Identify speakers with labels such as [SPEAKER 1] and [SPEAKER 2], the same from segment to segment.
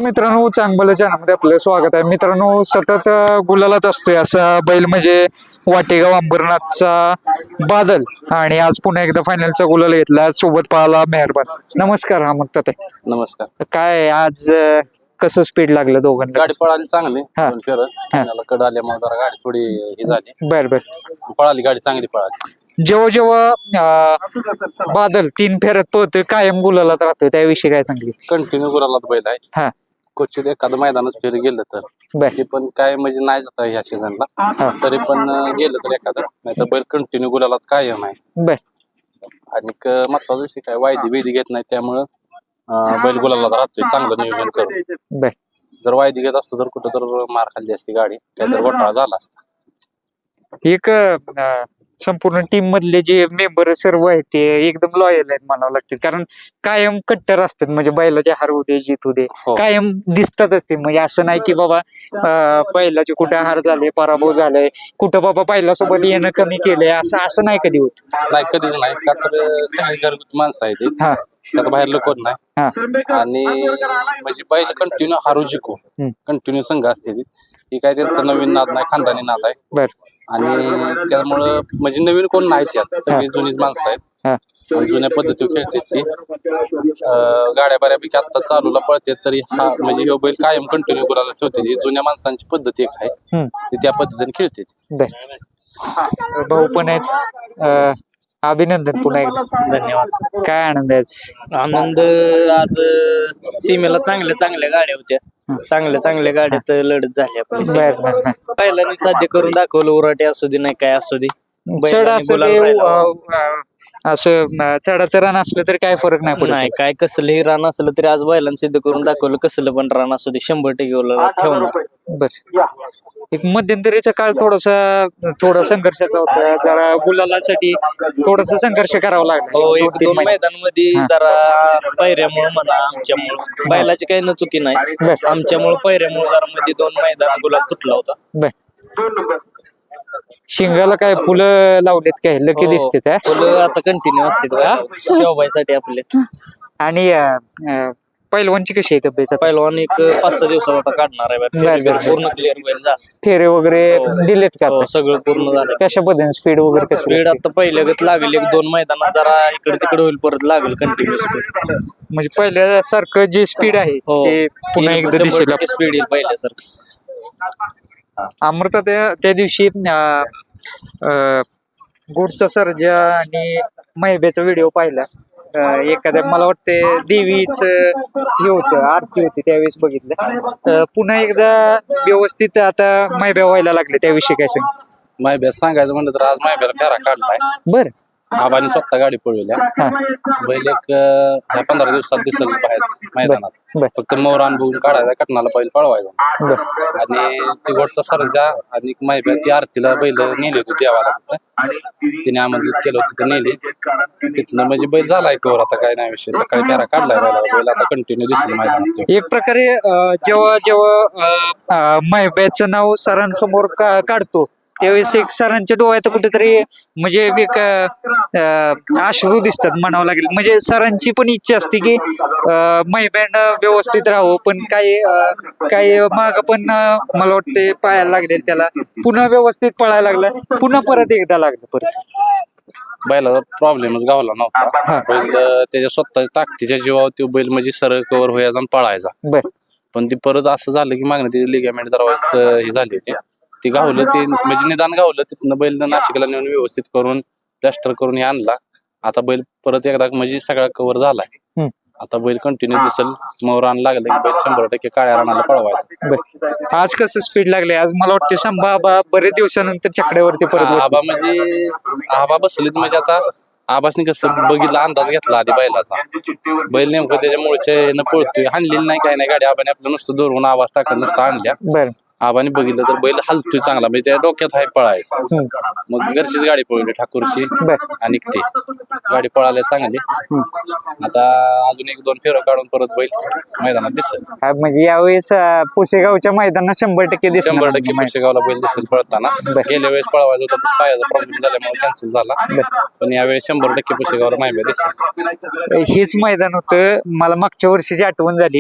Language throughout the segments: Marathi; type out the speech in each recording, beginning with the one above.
[SPEAKER 1] मित्रांनो, चांगलं चॅनलमध्ये आपलं स्वागत आहे. मित्रांनो, सतत गुलालात असतोय असा बैल म्हणजे वाटेगाव अंबरनाथचा बादल, आणि आज पुन्हा एकदा फायनलचा गुलाल घेतला. सोबत पाहाला मेहरबान. नमस्कार. हा मग ते
[SPEAKER 2] नमस्कार.
[SPEAKER 1] काय आज कसं स्पीड लागलं दोघांना?
[SPEAKER 2] गाडी पळाली चांगली
[SPEAKER 1] हा.
[SPEAKER 2] दोन फेरं. त्याला कड आल्यामुळे जरा गाडी थोडी हे झाली.
[SPEAKER 1] बर बर.
[SPEAKER 2] पळाली गाडी चांगली पळाली.
[SPEAKER 1] जेव्हा जेव्हा बादल 3 फेऱ्यात पळतोय, कायम गुलालात राहतोय, त्याविषयी काय सांगली?
[SPEAKER 2] कंटिन्यू गुलालात बैल आहे.
[SPEAKER 1] हा
[SPEAKER 2] क्वचित एखादं मैदानच फेर गेलं तर
[SPEAKER 1] बर
[SPEAKER 2] ते पण काय म्हणजे नाही जात ह्या सीझनला. तरी पण गेलं तर एखादं, नाही तर बैल कंटिन्यू गुलालात कायम आहे.
[SPEAKER 1] बर.
[SPEAKER 2] आणि महत्वाचा विषय काय, वायदी बेदी घेत नाही, त्यामुळं बैल गुलालात राहतोय चांगलं नियोजन करून.
[SPEAKER 1] बर.
[SPEAKER 2] जर वायदी घेत असतो तर कुठं तर मार खाल्ली असती गाडी, काहीतरी घोटाळा झाला असता.
[SPEAKER 1] एक संपूर्ण टीम मधले जे मेंबर सर्व आहेत ते एकदम लॉयल आहेत म्हणावं लागतील, कारण कायम कट्टर असतात. म्हणजे बैलाचे हार होते जीत होते
[SPEAKER 2] हो.
[SPEAKER 1] कायम दिसतातच ते. म्हणजे असं नाही की बाबा बैलाचे कुठे हार झाले, पराभव झालाय, कुठं बाबा बैलासोबत येणं कमी केलंय, असं नाही कधी होत.
[SPEAKER 2] नाही, कधीच नाही. का तर सगळी घरगुती माणसं आहेत ती.
[SPEAKER 1] हा
[SPEAKER 2] त्यात बाहेर कोण नाही.
[SPEAKER 1] हा
[SPEAKER 2] आणि म्हणजे बैल कंटिन्यू हारू जिको कंटिन्यू संघ असते ती. ही काय त्यांचा नवीन नाद नाही, खानदानी नाद आहे.
[SPEAKER 1] बर.
[SPEAKER 2] आणि त्यामुळं म्हणजे नवीन कोण नाहीच यात, सगळी जुनीच माणसं आहेत.
[SPEAKER 1] हा
[SPEAKER 2] आणि जुन्या पद्धतीवर खेळतात ती. गाड्या बऱ्यापैकी आत्ता चालूला पळते, तरी हा म्हणजे ह्यो बैल कायम कंटिन्यू करायला ठेवते. ही जुन्या माणसांची पद्धत एक आहे, ती त्या पद्धतीने खेळते.
[SPEAKER 1] बर. भाऊ पण आहेत. अभिनंदन पुन्हा एकदा.
[SPEAKER 3] धन्यवाद.
[SPEAKER 1] काय आनंद आहे?
[SPEAKER 3] आनंद आज सीमेला चांगल्या चांगल्या गाड्या होत्या. चांगल्या गाड्यात लढत झाली आपली.
[SPEAKER 1] बर बर बर.
[SPEAKER 3] पहिल्याने साध्य करून दाखवलं. उराटे असू दे नाही काय असू दे,
[SPEAKER 1] चढ
[SPEAKER 3] बैलांनी
[SPEAKER 1] असं
[SPEAKER 3] गुलाल
[SPEAKER 1] ते,
[SPEAKER 3] राहिला.
[SPEAKER 1] असं चढाचं रान असलं तरी काय फरक नाही पडत.
[SPEAKER 3] नाही काय कसलंही रान असलं तरी आज बैलांनी सिद्ध करून दाखवलं. कसलं पण रान असू दे 100% गुलाल ठेवणार.
[SPEAKER 1] बर. एक मध्यंतरीचा काळ थोडा संघर्षाचा होता. जरा गुलालासाठी थोडासा संघर्ष करावा लागला.
[SPEAKER 3] हो,
[SPEAKER 1] 1-2
[SPEAKER 3] 1-2
[SPEAKER 1] महिने.
[SPEAKER 3] मैदानमध्ये जरा पैऱ्यामुळे म्हणा, आमच्यामुळं बैलाची काही न चुकी नाही. आमच्यामुळे पैऱ्यामुळे जरा मध्ये 2 मैदान गुलाल तुटला होता.
[SPEAKER 1] बर. शिंगाला काय फुलं लावलेत, काय लकी दिसते त्या?
[SPEAKER 3] फुलं आता कंटिन्यू असते शोभायसाठी आपले.
[SPEAKER 1] आणि पहिलवानची कशी आहे तब्येत?
[SPEAKER 3] पहिलवान एक 5-6 दिवसात आता काढणार आहे.
[SPEAKER 1] बर.
[SPEAKER 3] पूर्ण क्लिअर होईल जा.
[SPEAKER 1] फेरे वगैरे दिलेत का?
[SPEAKER 3] हो, सगळं पूर्ण झालं.
[SPEAKER 1] कशा पद्धतीने स्पीड वगैरे कसं?
[SPEAKER 3] स्पीड आता पहिल्यागत लागेल. 1-2 मैदानात जरा इकडे तिकडे होईल, परत लागेल कंटिन्यू स्पीड.
[SPEAKER 1] म्हणजे पहिल्यासारखं जे स्पीड आहे ते पुन्हा एकदा दिसेल.
[SPEAKER 3] स्पीड येईल पहिल्यासारखं.
[SPEAKER 1] अमृता त्या दिवशी गुडचा सर्जा आणि महिब्याचा व्हिडिओ पाहिला. एखाद्या मला वाटते देवीच हे होतं, आरती होती, त्यावेळेस बघितलं. पुन्हा एकदा व्यवस्थित आता महिब्या व्हायला लागले, त्याविषयी काय सांग?
[SPEAKER 2] मायब्यास सांगायचं म्हणलं तर आज मायब्याला फेरा काढलाय.
[SPEAKER 1] बर.
[SPEAKER 2] आबानी स्वतः गाडी पळवल्या. बैल एक 15 दिवसात दिसेल बाहेर मैदानात.
[SPEAKER 1] बर.
[SPEAKER 2] फक्त मोर बघून काढायचा, कटनाला बैल पळवायचा.
[SPEAKER 1] बर.
[SPEAKER 2] आणि ती गोडचा सर्जा आणि मायब्या ती आरतीला बैल नेली होती देवाला. तिने आमंत्रित केलं होतं, तिथे नेली. तिथनं म्हणजे बैल झालाय कवर. आता काय नाही विषय, सकाळी फेरा काढलाय बैल आता कंटिन्यू दिसेल मैदानात.
[SPEAKER 1] एक प्रकारे जेव्हा महिब्याचं नाव सरांसमोर काढतो, त्यावेळेस एक सरांच्या डोळ्यात कुठेतरी म्हणजे एक अश्रू दिसतात म्हणावं लागेल. म्हणजे सरांची पण इच्छा असते की महिब्यान व्यवस्थित राहावं, पण काही माग पण मला वाटते पायाला लागले त्याला, पुन्हा व्यवस्थित पळायला लागला, पुन्हा परत एकदा लागलं. परत
[SPEAKER 2] बैलाचा प्रॉब्लेमच गावला नव्हता. बैल त्याच्या स्वतःच्या ताकदीच्या जीवावर तो बैल म्हणजे सरळ कव्हर व्हायचा आणि पळायचा.
[SPEAKER 1] बर.
[SPEAKER 2] पण ती परत असं झालं की मागणी त्याची लिगामेंट जरा हे झाली होती, ती गावलं. ते म्हणजे निदान गावलं. तिथनं बैल नाशिकला नेऊन व्यवस्थित करून प्लॅस्टर करून हे आणला. आता बैल परत एकदा म्हणजे सगळा कव्हर झालाय. आता बैल कंटिन्यू दिसेल. मोरान लागलं की बैल 100% काळ्या रानाला पळवायचा.
[SPEAKER 1] आज कसं स्पीड लागले? आज मला वाटते संभा बरेच दिवसानंतर चकड्यावरती परत
[SPEAKER 2] आबा म्हणजे आबा बसलीत. म्हणजे आता आबासनी कसं बघितलं, अंदाज घेतला आधी बैलाचा. बैल नेमकं त्याच्या मुळच्या पळतोय, हाणलेली नाही काय नाही गाडी. आबाने आपलं नुसतं दोरवून आवाज टाकत नुसतं आणल्या.
[SPEAKER 1] बर.
[SPEAKER 2] आबाने बघितलं तर बैल हलतोय चांगला, म्हणजे त्या डोक्यात आहे पळायचा. मग घरचीच गाडी पळवली ठाकूरची, आणि ती गाडी पळाली चांगली. आता अजून 1-2 फेरं काढून परत बैल मैदानात दिसेल.
[SPEAKER 1] म्हणजे यावेळेस पुसेगावच्या मैदानात 100% दिसेल.
[SPEAKER 2] 100% पुशेगावला बैल दिसेल पळताना. गेल्या वेळेस पळवायचा होता, पण पायाचा प्रॉब्लेम झाल्यामुळे कॅन्सल झाला. पण यावेळेस 100% पुशेगावला माहिती दिसेल.
[SPEAKER 1] हेच मैदान होतं. मला मागच्या वर्षीची आठवण झाली.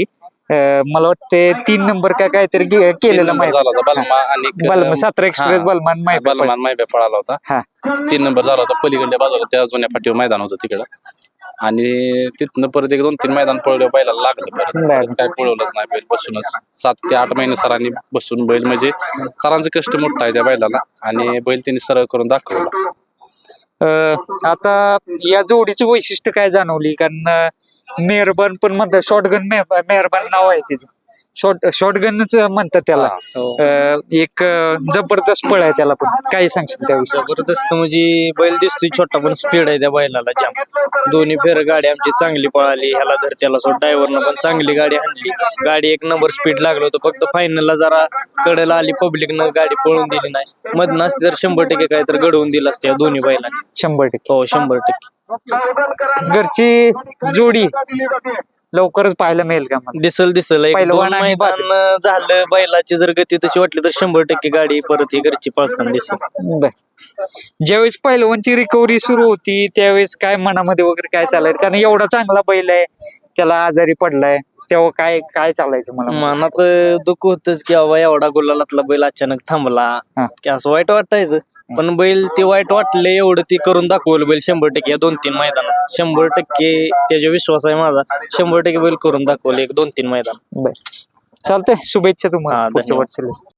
[SPEAKER 1] मला वाटते 3 नंबर का काहीतरी केलेला
[SPEAKER 2] नंबर झाला होता बलमा आणि
[SPEAKER 1] बलमा 17 एक्सप्रेस बलमान माहिती
[SPEAKER 2] बलमान मायबे पळाला होता.
[SPEAKER 1] हा
[SPEAKER 2] 3 नंबर झाला होता पलीकडल्या बाजूला त्या जुन्या फाटीवर मैदान होतं तिकडं. आणि तिथनं परत 1-2-3 मैदान पळलं बैलाला लागलं परत काय पळवलंच नाही बैल बसूनच 7 ते 8 महिने सरांनी बसून बैल म्हणजे सरांचं कष्ट मोठं आहे त्या बैलाला आणि बैल त्यांनी सरळ करून दाखवला.
[SPEAKER 1] आता या जोडीची वैशिष्ट्य काय जाणवली कारण मेहरबान पण म्हणतात शॉटगन मेहरबान नाव आहे तिचं शॉटगनच म्हणतात त्याला. एक जबरदस्त पळ आहे त्याला पण काय सांगशील त्याविषयी?
[SPEAKER 3] जबरदस्त म्हणजे बैल दिसतोय छोटा पण स्पीड आहे त्या बैलाला जाम. दोन्ही फेर गाडी आमची चांगली पळाली. ह्याला धर त्याला सोड ड्रायव्हरनं पण चांगली गाडी आणली. गाडी 1 नंबर स्पीड लागलं होतं फक्त फायनलला जरा कडेला आली पब्लिकनं गाडी पळून दिली नाही. मधनं असते तर 100% काय तर घडवून दिलं असते या दोन्ही बैलांनी.
[SPEAKER 1] 100%.
[SPEAKER 3] हो 100%.
[SPEAKER 1] घरची जोडी लवकरच पाहायला मिळेल का मला?
[SPEAKER 3] दिसल एक
[SPEAKER 1] पहिलवान
[SPEAKER 3] 2
[SPEAKER 1] आणि
[SPEAKER 3] मैदान झालं बैलाची जर गती तशी वाटली तर 100% गाडी परत ही घरची पळताना दिसल.
[SPEAKER 1] बर. ज्यावेळेस पहिलवानची रिकव्हरी सुरू होती त्यावेळेस काय मनामध्ये वगैरे काय चालायचं कारण एवढा चांगला बैल आहे त्याला आजारी पडलाय तेव्हा काय काय चालायचं मला?
[SPEAKER 3] मनात दुःख होतच की बाबा एवढा गुलालातला बैल अचानक थांबला
[SPEAKER 1] हा.
[SPEAKER 3] की असं वाईट वाटायचं. पण बैल ते वाईट वाटले एवढं ती करून दाखवलं बैल 100% या 2-3 मैदानात 100% त्याचा विश्वास आहे माझा. 100% बैल करून दाखवले 1-2-3 मैदान.
[SPEAKER 1] बर चालतंय शुभेच्छा तुम्हाला
[SPEAKER 3] हा,
[SPEAKER 1] पुढच्या
[SPEAKER 3] धन्यवाद.
[SPEAKER 1] वाटचालीस.